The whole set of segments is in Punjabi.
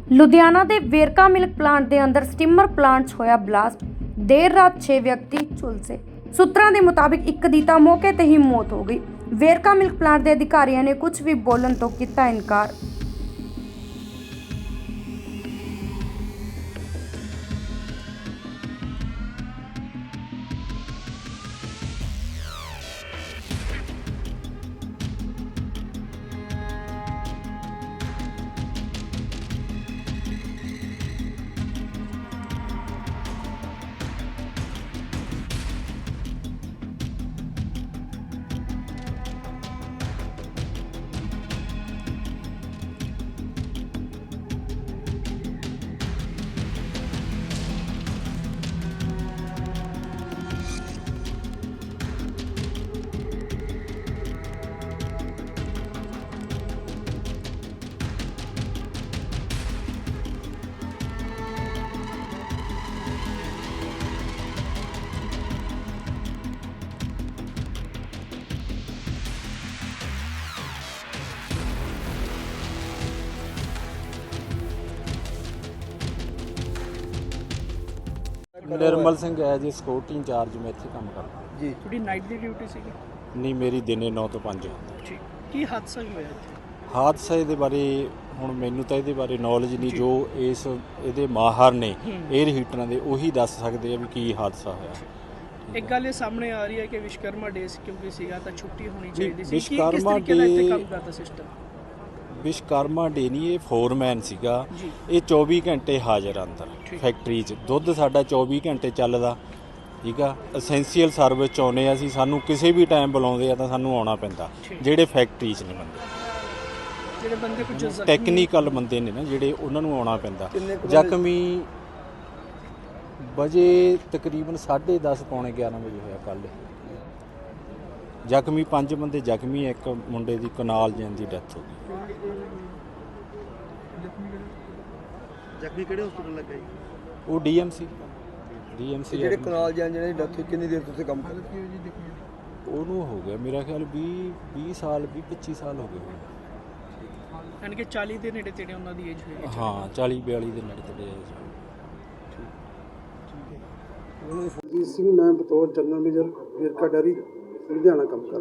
ਲੁਧਿਆਣਾ ਦੇ ਵੇਰਕਾ ਮਿਲਕ ਪਲਾਂਟ ਦੇ ਅੰਦਰ ਸਟੀਮਰ ਪਲਾਂਟ 'ਚ ਹੋਇਆ ਬਲਾਸਟ। ਦੇਰ ਰਾਤ 6 ਵਿਅਕਤੀ ਝੁਲਸੇ। ਸੂਤਰਾਂ ਦੇ ਮੁਤਾਬਿਕ ਇੱਕ ਦੀ ਤਾਂ ਮੌਕੇ ਤੇ ਹੀ ਮੌਤ ਹੋ ਗਈ। ਵੇਰਕਾ ਮਿਲਕ ਪਲਾਂਟ ਦੇ ਅਧਿਕਾਰੀਆਂ ਨੇ ਕੁਝ ਵੀ ਬੋਲਣ ਤੋਂ ਕੀਤਾ ਇਨਕਾਰ। निर्मल सिंह है जी, सिक्योरिटी इंचार्ज मैं इत्थे काम करदा जी। थोड़ी नाइट दी ड्यूटी सीगी? नहीं, मेरी दिने 9 ਤੋਂ 5। ठीक। ਕੀ ਹਾਦਸਾ ਹੋਇਆ ਇੱਥੇ? ਹਾਦਸੇ ਦੇ ਬਾਰੇ ਹੁਣ ਮੈਨੂੰ ਤਾਂ ਇਹਦੇ ਬਾਰੇ ਨੌਲੇਜ ਨਹੀਂ। ਜੋ ਇਹਦੇ ਮਾਹਰ ਨੇ 에ਅਰ ਹੀਟਰਾਂ ਦੇ, ਉਹੀ ਦੱਸ ਸਕਦੇ ਆ ਵੀ ਕੀ ਹਾਦਸਾ ਹੋਇਆ। ਇੱਕ ਗੱਲ ਇਹ ਸਾਹਮਣੇ ਆ ਰਹੀ ਹੈ ਕਿ ਵਿਸ਼ਕਰਮਾ ਡੇ ਕਿਉਂਕਿ ਸੀਗਾ ਤਾਂ ਛੁੱਟੀ ਹੋਣੀ ਚਾਹੀਦੀ ਸੀ। ਵਿਸ਼ਕਰਮਾ ਕਿਸ ਤਰੀਕੇ ਦਾ ਕੰਮ ਕਰਦਾ ਸਿਸਟਮ? ਵਿਸ਼ਕਰਮਾ ਡੇ ਨਹੀਂ, ਇਹ ਫੋਰਮੈਨ ਸੀਗਾ। ਇਹ 24 ਘੰਟੇ ਹਾਜ਼ਰ ਅੰਦਰ ਫੈਕਟਰੀ 'ਚ। ਦੁੱਧ ਸਾਡਾ 24 ਘੰਟੇ ਚੱਲਦਾ, ਠੀਕ ਆ। ਅਸੈਂਸ਼ੀਅਲ ਸਰਵਿਸ 'ਚ ਆਉਂਦੇ ਅਸੀਂ, ਸਾਨੂੰ ਕਿਸੇ ਵੀ ਟਾਈਮ ਬੁਲਾਉਂਦੇ ਆ ਤਾਂ ਸਾਨੂੰ ਆਉਣਾ ਪੈਂਦਾ। ਜਿਹੜੇ ਫੈਕਟਰੀ 'ਚ ਨਹੀਂ ਬੰਦੇ, ਜਿਹੜੇ ਬੰਦੇ ਕੁਝ ਟੈਕਨੀਕਲ ਬੰਦੇ ਨੇ ਨਾ ਜਿਹੜੇ, ਉਹਨਾਂ ਨੂੰ ਆਉਣਾ ਪੈਂਦਾ। ਜ਼ਖਮੀ ਵਜੇ ਤਕਰੀਬਨ 10:30 ਪੌਣੇ 11 ਵਜੇ ਹੋਇਆ ਕੱਲ੍ਹ। ਜ਼ਖਮੀ 5 ਬੰਦੇ ਜ਼ਖਮੀ, ਇੱਕ ਮੁੰਡੇ ਦੀ ਕਨਾਲ ਜੈਨ ਦੀ ਡੈਥ ਹੋ ਗਈ। ਜ਼ਖਮੀ ਕਿਹੜੇ ਹਸਪਤਾਲ ਲੱਗਾ ਜੀ? ਉਹ ਡੀਐਮਸੀ ਜਿਹੜੇ ਕਨਾਲ ਜੈਨ ਜਿਹਨਾਂ ਦੀ ਡੈਥ ਹੋਈ, ਕਿੰਨੀ ਦੇਰ ਤੁਸੀਂ ਕੰਮ ਕਰਦੇ? ਉਹਨੂੰ ਹੋ ਗਿਆ ਮੇਰਾ ਖਿਆਲ 20 ਸਾਲ 25 ਸਾਲ ਹੋ ਗਏ। ਯਾਨੀ ਕਿ 40 ਦੇ ਨੇੜੇ ਤੇੜੇ ਉਹਨਾਂ ਦੀ ਏਜ ਹੋਈ। ਹਾਂ, 40-42 ਦੇ ਨੇੜੇ ਤੇੜੇ ਏਜ। ਜੀ ਸਿੰਘ, ਮੈਂ ਬਤੌਰ general manager Verka dairy Ludhiana ਕੰਮ ਕਰ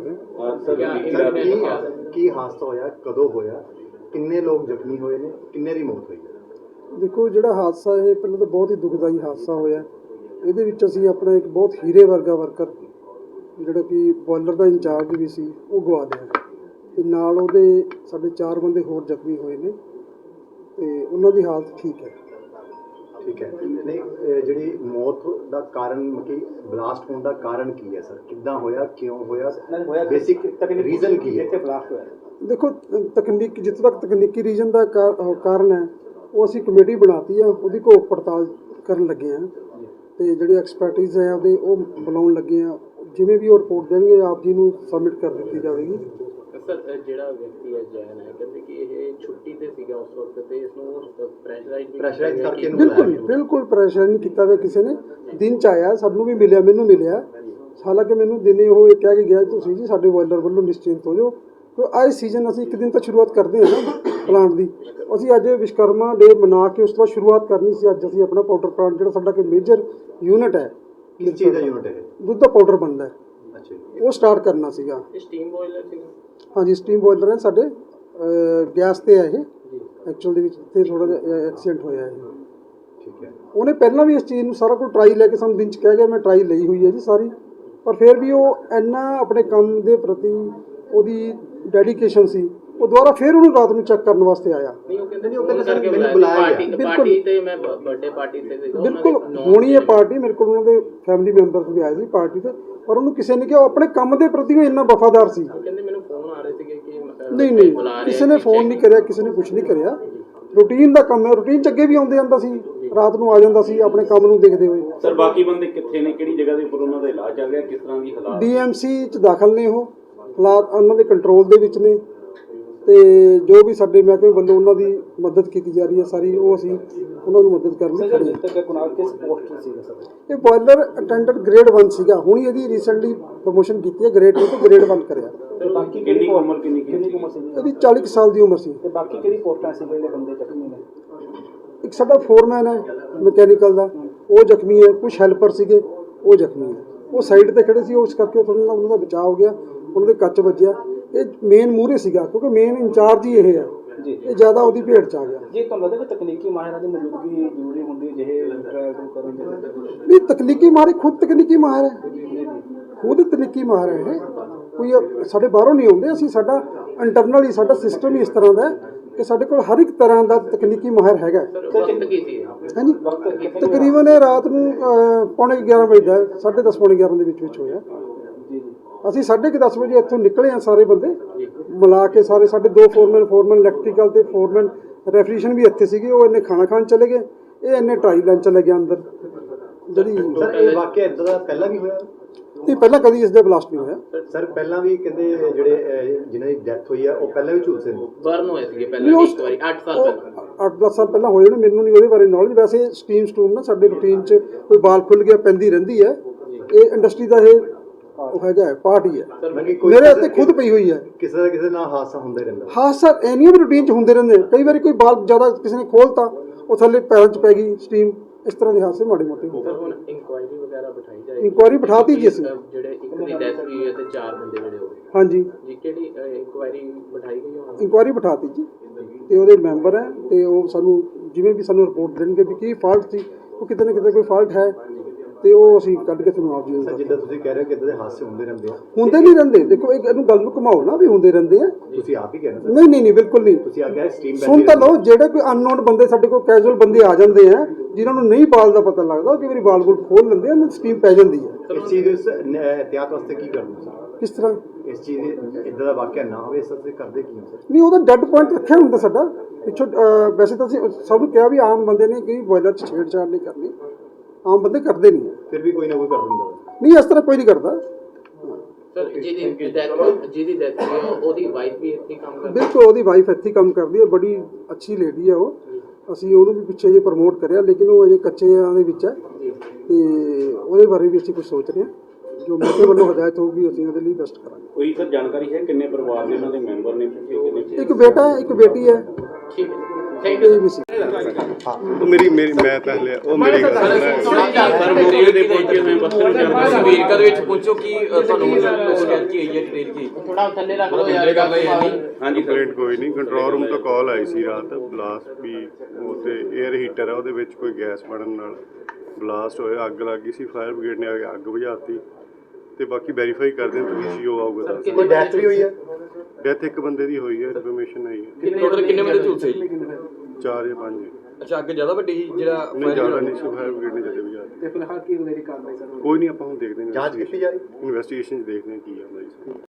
ਰਿਹਾ। ਕੀ ਹਾਦਸਾ ਹੋਇਆ, ਕਦੋਂ ਹੋਇਆ, ਕਿੰਨੇ ਲੋਕ ਜ਼ਖਮੀ ਹੋਏ ਨੇ, ਕਿੰਨੇ ਦੀ ਮੌਤ ਹੋਈ ਹੈ? ਦੇਖੋ, ਜਿਹੜਾ ਹਾਦਸਾ ਇਹ ਪਹਿਲਾਂ ਤਾਂ ਬਹੁਤ ਹੀ ਦੁਖਦਾਈ ਹਾਦਸਾ ਹੋਇਆ। ਇਹਦੇ ਵਿੱਚ ਅਸੀਂ ਆਪਣਾ ਇੱਕ ਬਹੁਤ ਹੀਰੇ ਵਰਗਾ ਵਰਕਰ, ਜਿਹੜਾ ਕਿ ਬੋਇਲਰ ਦਾ ਇੰਚਾਰਜ ਵੀ ਸੀ, ਉਹ ਗਵਾ ਦਿਆ, ਅਤੇ ਨਾਲ ਉਹਦੇ ਸਾਡੇ 4 ਬੰਦੇ ਹੋਰ ਜ਼ਖਮੀ ਹੋਏ ਨੇ, ਅਤੇ ਉਹਨਾਂ ਦੀ ਹਾਲਤ ਠੀਕ ਹੈ। ਠੀਕ ਹੈ। ਨਹੀਂ, ਜਿਹੜੀ ਮੌਤ ਦਾ ਕਾਰਨ, ਕਿ ਬਲਾਸਟ ਹੋਣ ਦਾ ਕਾਰਨ ਕੀ ਹੈ ਸਰ? ਕਿੱਦਾਂ ਹੋਇਆ, ਕਿਉਂ ਹੋਇਆ, ਬੇਸਿਕ ਰੀਜ਼ਨ ਕੀ ਹੈ ਇੱਥੇ ਬਲਾਸਟ ਹੋਇਆ? ਦੇਖੋ, ਜਿੱਥੇ ਤੱਕ ਤਕਨੀਕੀ ਰੀਜ਼ਨ ਦਾ ਕਾਰਨ ਹੈ, ਉਹ ਅਸੀਂ ਕਮੇਟੀ ਬਣਾਤੀ ਆ, ਉਹਦੀ ਘੋਖ ਪੜਤਾਲ ਕਰਨ ਲੱਗੇ ਹਾਂ, ਅਤੇ ਜਿਹੜੇ ਐਕਸਪਰਟਿਜ਼ ਹੈ ਉਹਦੇ ਉਹ ਬੁਲਾਉਣ ਲੱਗੇ ਹਾਂ। ਜਿਵੇਂ ਵੀ ਉਹ ਰਿਪੋਰਟ ਦੇਣਗੇ, ਆਪ ਜੀ ਨੂੰ ਸਬਮਿਟ ਕਰ ਦਿੱਤੀ ਜਾਵੇਗੀ। ਸਰ, ਜਿਹੜਾ ਵਿਅਕਤੀ ਹੈ ਜੈਨ ਹੈ, ਕਹਿੰਦੇ ਕਿ ਇਹ ਛੁੱਟੀ ਤੇ ਸੀਗਾ ਉਸ ਵਕਤ, ਤੇ ਇਸ ਨੂੰ ਪ੍ਰੈਸ਼ਰਾਈਜ਼ ਕਰਕੇ ਬਿਲਕੁਲ ਪ੍ਰੈਸ਼ਰ ਨਹੀਂ ਕੀਤਾ ਹੋਇਆ ਕਿਸੇ ਨੇ। ਦਿਨ 'ਚ ਆਇਆ, ਸਭ ਨੂੰ ਵੀ ਮਿਲਿਆ, ਮੈਨੂੰ ਮਿਲਿਆ। ਹਾਲਾਂਕਿ ਮੈਨੂੰ ਦਿਨੇ ਉਹ ਕਹਿ ਕੇ ਗਿਆ, ਤੁਸੀਂ ਜੀ ਸਾਡੇ ਬੋਇਲਰ ਵੱਲੋਂ ਨਿਸ਼ਚਿੰਤ ਹੋ ਜਾਓ, ਕਿਉਂਕਿ ਆਏ ਸੀਜ਼ਨ ਅਸੀਂ ਇੱਕ ਦਿਨ ਤਾਂ ਸ਼ੁਰੂਆਤ ਕਰਦੇ ਹਾਂ ਨਾ ਪਲਾਂਟ ਦੀ। ਅਸੀਂ ਅੱਜ ਵਿਸ਼ਕਰਮਾ ਡੇ ਮਨਾ ਕੇ ਉਸ ਤੋਂ ਬਾਅਦ ਸ਼ੁਰੂਆਤ ਕਰਨੀ ਸੀ। ਅੱਜ ਅਸੀਂ ਆਪਣਾ ਪਾਊਡਰ ਪਲਾਂਟ, ਜਿਹੜਾ ਸਾਡਾ ਕਿ ਮੇਜਰ ਯੂਨਿਟ ਹੈ, ਕਿਸ ਚੀਜ਼ ਦਾ ਯੂਨਿਟ ਹੈ? ਦੁੱਧ ਦਾ ਪਾਊਡਰ ਬਣਦਾ ਹੈ, ਅੱਛਾ, ਉਹ ਸਟਾਰਟ ਕਰਨਾ ਸੀਗਾ। ਸਟੀਮ ਬੋਇਲਰ ਸੀਗਾ? ਹਾਂਜੀ, ਸਟੀਮ ਬੋਇਲਰ ਹੈ ਸਾਡੇ। ਗੈਸ 'ਤੇ ਹੈ ਇਹ ਐਕਚੁਅਲ ਦੇ ਵਿੱਚ। ਇੱਥੇ ਥੋੜ੍ਹਾ ਜਿਹਾ ਐਕਸੀਡੈਂਟ ਹੋਇਆ ਇਹ। ਠੀਕ ਹੈ। ਉਹਨੇ ਪਹਿਲਾਂ ਵੀ ਇਸ ਚੀਜ਼ ਨੂੰ ਸਾਰਾ ਕੁਝ ਟਰਾਈ ਲੈ ਕੇ ਸਾਨੂੰ ਦਿਨ 'ਚ ਕਹਿ ਗਿਆ, ਮੈਂ ਟਰਾਈ ਲਈ ਹੋਈ ਹੈ ਜੀ ਸਾਰੀ, ਪਰ ਫਿਰ ਵੀ ਉਹ ਇੰਨਾ ਆਪਣੇ ਕੰਮ ਦੇ ਪ੍ਰਤੀ ਉਹਦੀ ਡੈਡੀਕੇਸ਼ਨ ਸੀ, ਉਹ ਦੁਬਾਰਾ ਫਿਰ ਉਹਨੂੰ ਰਾਤ ਨੂੰ ਚੈੱਕ ਕਰਨ ਵਾਸਤੇ ਆਇਆ। ਨਹੀਂ, ਉਹ ਕਹਿੰਦੇ ਮੈਨੂੰ ਬੁਲਾਇਆ ਪਾਰਟੀ ਤੇ, ਮੈਂ ਬਰਥਡੇ ਪਾਰਟੀ ਤੇ ਸੀਗਾ। ਬਿਲਕੁਲ ਹੋਣੀ ਹੈ ਪਾਰਟੀ, ਮੇਰੇ ਕੋਲ ਉਹਨਾਂ ਦੇ ਫੈਮਿਲੀ ਮੈਂਬਰਸ ਵੀ ਆਏ ਸੀ ਪਾਰਟੀ ਤੇ, ਪਰ ਉਹਨੂੰ ਕਿਸੇ ਨੇ ਕਿਹਾ, ਉਹ ਆਪਣੇ ਕੰਮ ਦੇ ਪ੍ਰਤੀ ਉਹ ਇੰਨਾ ਵਫਾਦਾਰ ਸੀ। ਕਹਿੰਦੇ ਮੈਨੂੰ ਫੋਨ ਆ ਰਹੇ ਸੀਗੇ ਕਿ ਨਹੀਂ, ਕਿਸੇ ਨੇ ਫੋਨ ਨਹੀਂ ਕਰਿਆ, ਕਿਸੇ ਨੇ ਕੁਝ ਨਹੀਂ ਕਰਿਆ। ਰੂਟੀਨ ਦਾ ਕੰਮ ਹੈ, ਰੂਟੀਨ 'ਚ ਅੱਗੇ ਵੀ ਆਉਂਦੇ ਜਾਂਦਾ ਸੀ, ਰਾਤ ਨੂੰ ਆ ਜਾਂਦਾ ਸੀ ਆਪਣੇ ਕੰਮ ਨੂੰ ਦੇਖਦੇ ਹੋਏ। ਸਰ, ਬਾਕੀ ਬੰਦੇ ਕਿੱਥੇ ਨੇ, ਕਿਹੜੀ ਜਗ੍ਹਾ ਦੇ ਉੱਪਰ ਉਹਨਾਂ ਦਾ ਇਲਾਜ ਚੱਲ ਰਿਹਾ, ਕਿਸ ਤਰ੍ਹਾਂ ਦੀ ਹਾਲਾਤ? ਡੀਐਮਸੀ 'ਚ ਦਾਖਲ ਨੇ, ਉਹ ਹਾਲਾਤ ਉਹਨਾਂ ਦੇ ਕੰਟਰੋਲ ਦੇ ਵਿੱਚ ਨੇ, ਅਤੇ ਜੋ ਵੀ ਸਾਡੇ ਮਹਿਕਮੇ ਵੱਲੋਂ ਉਹਨਾਂ ਦੀ ਮਦਦ ਕੀਤੀ ਜਾ ਰਹੀ ਹੈ ਸਾਰੀ, ਉਹ ਅਸੀਂ ਉਹਨਾਂ ਨੂੰ ਮਦਦ ਕਰਨ ਲਈ ਖੜੇ ਹਾਂ। ਇਹ ਬੋਇਲਰ ਅਟੈਂਡੈਂਟ ਗ੍ਰੇਡ 1 ਸੀਗਾ, ਹੁਣ ਇਹਦੀ ਰੀਸੈਂਟਲੀ ਪ੍ਰਮੋਸ਼ਨ ਕੀਤੀ ਹੈ, ਗ੍ਰੇਡ 2 ਤੋਂ ਗ੍ਰੇਡ 1 ਕਰਿਆ। ਬਾਕੀ ਕਿੰਨੀ ਉਮਰ, ਕਿੰਨੀ ਇਹਦੀ 40 ਸਾਲ ਦੀ ਉਮਰ ਸੀ। ਤੇ ਬਾਕੀ ਕਿਹੜੀ ਪੋਸਟਾਂ ਸੀ ਜਿਹੜੇ ਬੰਦੇ ਜ਼ਖਮੀ ਨੇ? ਇੱਕ ਸਾਡਾ ਫੋਰਮੈਨ ਹੈ ਮਕੈਨੀਕਲ ਦਾ, ਉਹ ਜ਼ਖਮੀ ਹੈ। ਕੁਝ ਹੈਲਪਰ ਸੀਗੇ, ਉਹ ਜ਼ਖਮੀ ਹੈ। ਉਹ ਸਾਈਡ ਤੇ ਖੜੇ ਸੀ, ਉਸ ਕਰਕੇ ਉਹਨਾਂ ਦਾ ਬਚਾਅ ਹੋ ਗਿਆ, ਉਹਨਾਂ ਦੇ ਕੱਚ ਵੱਜਿਆ। ਇਹ ਮੇਨ ਮੂਹਰੇ ਸੀਗਾ ਕਿਉਂਕਿ ਮੇਨ ਇੰਚਾਰਜ ਹੀ ਇਹ ਹੈ ਜੀ, ਇਹ ਜ਼ਿਆਦਾ ਉਹਦੀ ਭੇਟ 'ਚ ਆ ਗਿਆ। ਜੀ ਤੁਹਾਨੂੰ ਲੱਗਦਾ ਕਿ ਤਕਨੀਕੀ ਮਾਹਿਰਾਂ ਦੀ ਮੌਜੂਦਗੀ ਜ਼ਰੂਰੀ ਹੁੰਦੀ ਜਿਹੇ ਟ੍ਰਾਇਲ ਕਰਨ ਦੇ? ਨਹੀਂ, ਤਕਨੀਕੀ ਮਾਹਿਰ ਖੁਦ ਤਕਨੀਕੀ ਮਾਹਿਰ ਹੈ, ਖੁਦ ਤਕਨੀਕੀ ਮਾਹਿਰ ਹੈ ਇਹ। ਕੋਈ ਸਾਡੇ ਬਾਹਰੋਂ ਨਹੀਂ ਆਉਂਦੇ, ਅਸੀਂ ਸਾਡਾ ਇੰਟਰਨਲ ਹੀ ਸਾਡਾ ਸਿਸਟਮ ਹੀ ਇਸ ਤਰ੍ਹਾਂ ਦਾ ਹੈ ਕਿ ਸਾਡੇ ਕੋਲ ਹਰ ਇੱਕ ਤਰ੍ਹਾਂ ਦਾ ਤਕਨੀਕੀ ਮਾਹਿਰ ਹੈਗਾ। ਵਕਤ ਕੀ ਸੀ? ਹਾਂਜੀ, ਤਕਰੀਬਨ ਇਹ ਰਾਤ ਨੂੰ 11:30 ਵਜੇ ਦਾ 10:30 ਪੌਣੇ 11 ਦੇ ਵਿੱਚ ਹੋਇਆ। ਅਸੀਂ 10:30 ਵਜੇ ਇੱਥੋਂ ਨਿਕਲੇ ਆ, ਸਾਰੇ ਬੰਦੇ ਮਿਲਾ ਕੇ ਸਾਰੇ ਸਾਡੇ 2 ਫੋਰਮੈਨ ਇਲੈਕਟ੍ਰੀਕਲ ਤੇ ਫੋਰਮੈਨ ਰੈਫਰੀਜਰੇਸ਼ਨ ਵੀ ਇੱਥੇ ਸੀਗੇ। ਉਹ ਇਹਨੇ ਖਾਣਾ ਖਾਣ ਚਲੇ ਗਏ, ਇਹ ਇਹਨੇ ਟਰਾਈ ਲੈਣ ਚਲੇ ਗਿਆ ਅੰਦਰ। ਜਿਹੜੀ ਸਰ ਇਹ ਵਾਕਿਆ ਇਦਾਂ ਦਾ ਪਹਿਲਾਂ ਵੀ ਹੋਇਆ? ਨਹੀਂ, ਪਹਿਲਾਂ ਕਦੀ ਇਸ ਦਾ ਬਲਾਸਟ ਨਹੀਂ ਹੋਇਆ ਸਰ ਪਹਿਲਾਂ ਵੀ ਕਹਿੰਦੇ ਜਿਹੜੇ ਜਿਨ੍ਹਾਂ ਦੀ ਡੈਥ ਹੋਈ ਹੈ ਉਹ ਪਹਿਲਾਂ ਵੀ ਝੁਲਸੇ ਨੇ, ਬਰਨ ਹੋਏ ਸੀਗੇ ਪਹਿਲਾਂ ਇੱਕ ਵਾਰੀ 8 ਸਾਲ ਪਹਿਲਾਂ। 8-10 ਸਾਲ ਪਹਿਲਾਂ ਹੋਏ ਨੇ, ਮੈਨੂੰ ਨਹੀਂ ਉਹਦੇ ਬਾਰੇ ਨੌਲੇਜ। ਵੈਸੇ ਸਟੀਮ ਨਾ ਸਾਡੇ ਰੂਟੀਨ 'ਚ ਕੋਈ ਬਾਲ ਖੁੱਲ ਗਿਆ ਪੈਂਦੀ ਰਹਿੰਦੀ ਹੈ, ਇਹ ਇੰਡਸਟਰੀ ਦਾ ਇਹ ਉਹ ਹੈਗਾ ਪਾਰਟ ਹੀ ਹੈ। ਮੇਰੇ ਇੱਥੇ ਖੁਦ ਪਈ ਹੋਈ ਹੈ। ਕਿਸੇ ਨਾਲ ਹਾਦਸਾ ਹੁੰਦਾ ਹੀ ਰਹਿੰਦਾ। ਹਾਦਸਾ ਐਨੀਆਂ ਵੀ ਰੂਟੀਨ 'ਚ ਹੁੰਦੇ ਰਹਿੰਦੇ। ਕਈ ਵਾਰੀ ਕੋਈ ਬਾਲ ਜ਼ਿਆਦਾ ਕਿਸੇ ਨੇ ਖੋਲਤਾ, ਉਹ ਥੱਲੇ ਪੈਰਾਂ 'ਚ ਪੈ ਗਈ ਸਟੀਮ, ਇਸ ਤਰ੍ਹਾਂ ਦੇ ਹਾਦਸੇ ਮਾੜੇ ਮੋਟੇ ਹੁੰਦੇ। ਹੁਣ ਇਨਕੁਆਇਰੀ ਵਗੈਰਾ ਬਿਠਾਈ ਜਾਏ? ਇਨਕੁਆਇਰੀ ਬਿਠਾਤੀ ਜੀ ਅਸੀਂ। ਜਿਹੜੇ ਇੱਕ ਦੀ ਡੈਥ ਹੋਈ ਹੈ ਤੇ 4 ਬੰਦੇ ਜਿਹੜੇ ਹੋ ਗਏ, ਹਾਂਜੀ, ਜੀ ਕਿਹੜੀ ਇਨਕੁਆਇਰੀ ਬਿਠਾਈ ਗਈ ਹੁਣ? ਇਨਕੁਆਇਰੀ ਬਿਠਾਤੀ ਜੀ, ਤੇ ਉਹਦੇ ਮੈਂਬਰ ਹੈ, ਤੇ ਉਹ ਸਾਨੂੰ ਜਿਵੇਂ ਵੀ ਸਾਨੂੰ ਰਿਪੋਰਟ ਦੇਣਗੇ ਵੀ ਕੀ ਫਾਲਟ ਸੀ, ਉਹ ਕਿਤੇ ਨਾ ਕਿਤੇ ਕੋਈ ਫਾਲਟ ਹੈ, ਤੇ ਉਹ ਅਸੀਂ ਕੱਢ ਕੇ ਤੁਹਾਨੂੰ ਆਪ ਜੀ ਸਰ ਜਿੱਦਾਂ ਤੁਸੀਂ ਕਹਿ ਰਹੇ ਹੋ ਕਿ ਇਦਾਂ ਦੇ ਹਾਦਸੇ ਹੁੰਦੇ ਰਹਿੰਦੇ ਆ, ਹੁੰਦੇ ਨਹੀਂ ਰਹਿੰਦੇ। ਦੇਖੋ ਇਹਨੂੰ ਗੱਲ ਨੂੰ ਘੁਮਾਓ ਨਾ, ਵੀ ਹੁੰਦੇ ਰਹਿੰਦੇ ਆ। ਤੁਸੀਂ ਆਪ ਹੀ ਕਹਿ ਰਹੇ ਹੋ ਨਹੀਂ, ਬਿਲਕੁਲ ਨਹੀਂ। ਤੁਸੀਂ ਆ ਗਿਆ ਸਟ੍ਰੀਮ ਸੁਣ ਤਾਂ ਲਓ, ਜਿਹੜੇ ਕੋਈ ਅਨਨੋਨ ਬੰਦੇ ਸਾਡੇ ਕੋਲ ਕੈਜੂਅਲ ਬੰਦੇ ਆ ਜਾਂਦੇ ਆ, ਜਿਨ੍ਹਾਂ ਨੂੰ ਨਹੀਂ ਬਾਲ ਦਾ ਪਤਾ ਲੱਗਦਾ, ਕਈ ਵਾਰੀ ਬਾਲ ਬੁਲ ਖੋਲ ਲੈਂਦੇ ਆ, ਸਟੀਮ ਪੈ ਜਾਂਦੀ ਹੈ। ਇਸ ਚੀਜ਼ ਦੇ ਇਹਤਿਆਤ ਵਾਸਤੇ ਕੀ ਕਰਦੇ ਸਰ? ਕਿਸ ਤਰ੍ਹਾਂ? ਇਸ ਚੀਜ਼ ਦੇ ਇਦਾਂ ਦਾ ਵਾਕਿਆ ਨਾ ਹੋਵੇ, ਇਸ ਵਾਸਤੇ ਕਰਦੇ ਕੀ ਹੋ ਸਰ? ਨਹੀਂ, ਉਹਦਾ ਡੈੱਡ ਪੁਆਇੰਟ ਰੱਖਿਆ ਹੁੰਦਾ ਸਾਡਾ ਪਿੱਛੋਂ। ਵੈਸੇ ਤਾਂ ਅਸੀਂ ਸਭ ਨੂੰ ਕਿਹਾ ਵੀ ਆਮ ਬੰਦੇ ਨੇ ਕਿ ਬੋਇਲਰ 'ਚ ਛੇੜਛਾੜ ਨਹੀਂ ਕਰਨੀ, ਆਮ ਬੰਦੇ ਕਰਦੇ ਨਹੀਂ। ਫਿਰ ਵੀ ਕੋਈ ਨਾ ਕੋਈ ਕਰ ਦਿੰਦਾ। ਨਹੀਂ, ਇਸ ਤਰ੍ਹਾਂ ਕੋਈ ਨਹੀਂ ਕਰਦਾ। ਸਰ ਜਿਹਦੀ ਡੈਥ ਹੋਈ ਉਹਦੀ ਵਾਈਫ ਵੀ ਇੱਥੇ ਕੰਮ ਕਰਦੀ? ਬਿਲਕੁਲ, ਉਹਦੀ ਵਾਈਫ ਇੱਥੇ ਕੰਮ ਕਰਦੀ ਹੈ, ਬੜੀ ਅੱਛੀ ਲੇਡੀ ਹੈ ਉਹ। ਅਸੀਂ ਉਹਨੂੰ ਵੀ ਪਿੱਛੇ ਜੇ ਪ੍ਰਮੋਟ ਕਰਿਆ, ਲੇਕਿਨ ਉਹ ਅਜੇ ਕੱਚਿਆਂ ਦੇ ਵਿੱਚ ਹੈ, ਤੇ ਉਹਦੇ ਬਾਰੇ ਵੀ ਅਸੀਂ ਕੁਝ ਸੋਚ ਰਹੇ ਹਾਂ। ਜੋ ਮੇਰੇ ਵੱਲੋਂ ਹਦਾਇਤ ਹੋਊਗੀ ਅਸੀਂ ਉਹਦੇ ਲਈ ਬੈਸਟ ਕਰਾਂਗੇ। ਕੋਈ ਸਰ ਜਾਣਕਾਰੀ ਹੈ ਕਿੰਨੇ ਪਰਿਵਾਰ ਦੇ ਉਹਨਾਂ ਦੇ ਮੈਂਬਰ ਨੇ? ਇੱਕ ਬੇਟਾ ਹੈ, ਇੱਕ ਬੇਟੀ ਹੈ। ਠੀਕ ਹੈ, ਥੈਂਕ ਯੂ। ਉਹ ਮੇਰੀ ਮੈਂ ਪਹਿਲੇ ਉਹ ਮੇਰੀ ਗੱਲ ਸਰ ਮੌਕੇ ਤੇ ਪਹੁੰਚੇ ਹੋਏ ਬਸਤਰ ਨੂੰ ਅਮਰੀਕਾ ਦੇ ਵਿੱਚ ਪਹੁੰਚੋ ਕਿ ਤੁਹਾਨੂੰ ਸ਼ਿਕਾਇਤ ਕੀ ਹੋਈ ਹੈ ਟ੍ਰੇਨ ਕੀ? ਥੋੜਾ ਥੱਲੇ ਰੱਖ ਲਓ ਯਾਰ, ਗੱਲ ਹੋਈ ਨਹੀਂ। ਹਾਂਜੀ, ਕੰਪਲੇਂਟ ਕੋਈ ਨਹੀਂ। ਕੰਟਰੋਲ ਰੂਮ ਤੋਂ ਕਾਲ ਆਈ ਸੀ ਰਾਤ, ਬਲਾਸਟ ਵੀ ਉਹ ਤੇ 에ਅਰ ਹੀਟਰ ਹੈ, ਉਹਦੇ ਵਿੱਚ ਕੋਈ ਗੈਸ ਬਣਨ ਨਾਲ ਬਲਾਸਟ ਹੋਇਆ, ਅੱਗ ਲੱਗ ਗਈ ਸੀ। ਫਾਇਰ ਬ੍ਰਿਗੇਡ ਨੇ ਆ ਕੇ ਅੱਗ ਬੁਝਾਤੀ, ਤੇ ਬਾਕੀ ਵੈਰੀਫਾਈ ਕਰਦੇ ਹਾਂ ਤੁਸੀਂ ਸ਼ੋ ਆਊਗਾ। ਕੋਈ ਡੈਥ ਵੀ ਹੋਈ ਹੈ? ਡੈਥ ਇੱਕ ਬੰਦੇ ਦੀ ਹੋਈ ਹੈ, ਇਨਫੋਰਮੇਸ਼ਨ ਆਈ ਹੈ। ਟੋਟਲ ਕਿੰਨੇ ਬੰਦੇ ਝੁਲਸੇ ਜੀ? 4 ਜਾਂ 5। ਅੱਛਾ, ਅੱਗੇ ਜ਼ਿਆਦਾ ਵੱਡੀ ਸੀ ਜਿਹੜਾ? ਨਹੀਂ, ਜ਼ਿਆਦਾ ਨਹੀਂ ਸੀ। ਫਾਇਰ ਬ੍ਰਿਗੇਡ ਨੇ ਜਦੇ ਬੁਝਾਤੀ। ਤੇ ਫਿਲਹਾਲ ਕੀ ਅਗਲੇਰੀ ਕਾਰਵਾਈ ਸਰ? ਕੋਈ ਨਹੀਂ, ਆਪਾਂ ਹੁਣ ਦੇਖਦੇ ਹਾਂ ਜਾਂਚ ਕੀਤੀ ਜਾ ਰਹੀ? ਇਨਵੈਸਟੀਗੇਸ਼ਨ 'ਚ ਦੇਖਦੇ ਹਾਂ ਕੀ ਆਉਂਦਾ ਜੀ।